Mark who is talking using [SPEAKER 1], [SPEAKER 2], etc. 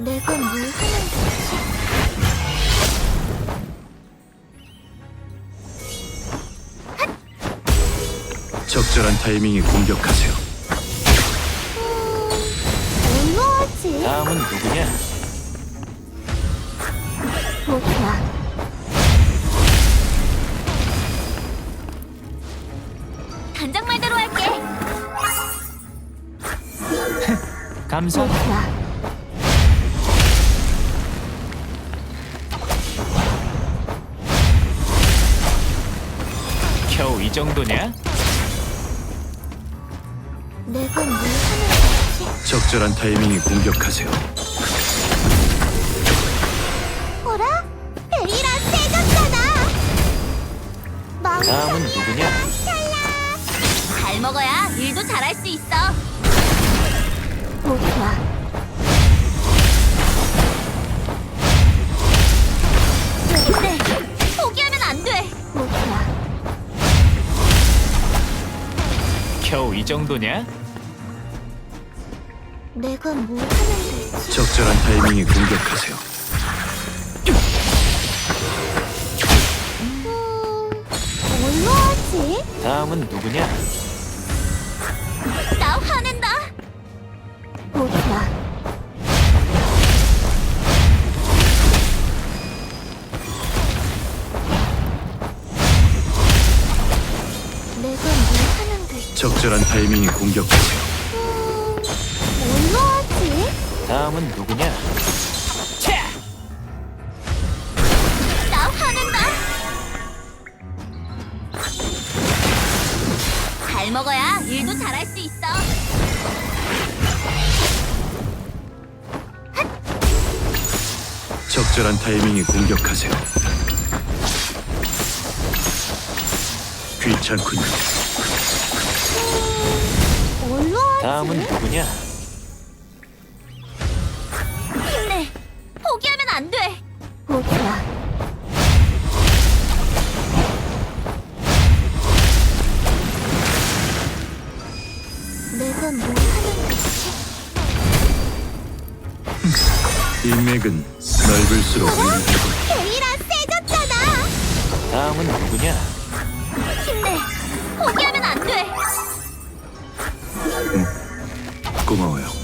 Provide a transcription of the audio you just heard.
[SPEAKER 1] 내가 뭘 하는 거지?
[SPEAKER 2] 적절한 타이밍에 공격하세요.
[SPEAKER 1] 뭘로 하지?
[SPEAKER 3] 다음은 누구냐?
[SPEAKER 1] 보자. 단장 말대로 할게.
[SPEAKER 3] 감사.
[SPEAKER 1] 보자.
[SPEAKER 3] 겨우 이 정도냐?
[SPEAKER 1] 내가 뭘 하는 거지?
[SPEAKER 2] 적절한 타이밍에 공격하세요.
[SPEAKER 1] 어라? 베리라 세졌잖아.
[SPEAKER 3] 다음은 누구냐?
[SPEAKER 1] 잘 먹어야 일도 잘할 수 있어. 보자. 근데 포기하면 안 돼. 보자.
[SPEAKER 3] 겨우 이 정도냐?
[SPEAKER 1] 내가 뭘 하면 되지?
[SPEAKER 2] 적절한 타이밍에 공격하세요.
[SPEAKER 1] 뭘로 하지?
[SPEAKER 3] 다음은 누구냐?
[SPEAKER 1] 나 화낸다. 보자. 내가 뭘 하면 되지?
[SPEAKER 2] 적절한 타이밍에 공격하세요.
[SPEAKER 1] 뭘로 하지?
[SPEAKER 3] 다음은 누구냐? 차!
[SPEAKER 1] 나 화낸다. 잘 먹어야 일도 잘할 수 있어.
[SPEAKER 2] 적절한 타이밍에 공격하세요. 귀찮군요.
[SPEAKER 1] 뭘로 하지?
[SPEAKER 3] 다음은 누구냐?
[SPEAKER 1] 힘내. 포기하면 안 돼. 보자. 내가 뭘 하는 거지?
[SPEAKER 2] 인맥은 넓을수록 유리하고
[SPEAKER 1] 베리라 세졌잖아.
[SPEAKER 3] 다음은 누구냐?
[SPEAKER 1] 힘내. 포기하면 안 돼.
[SPEAKER 2] 고마워요.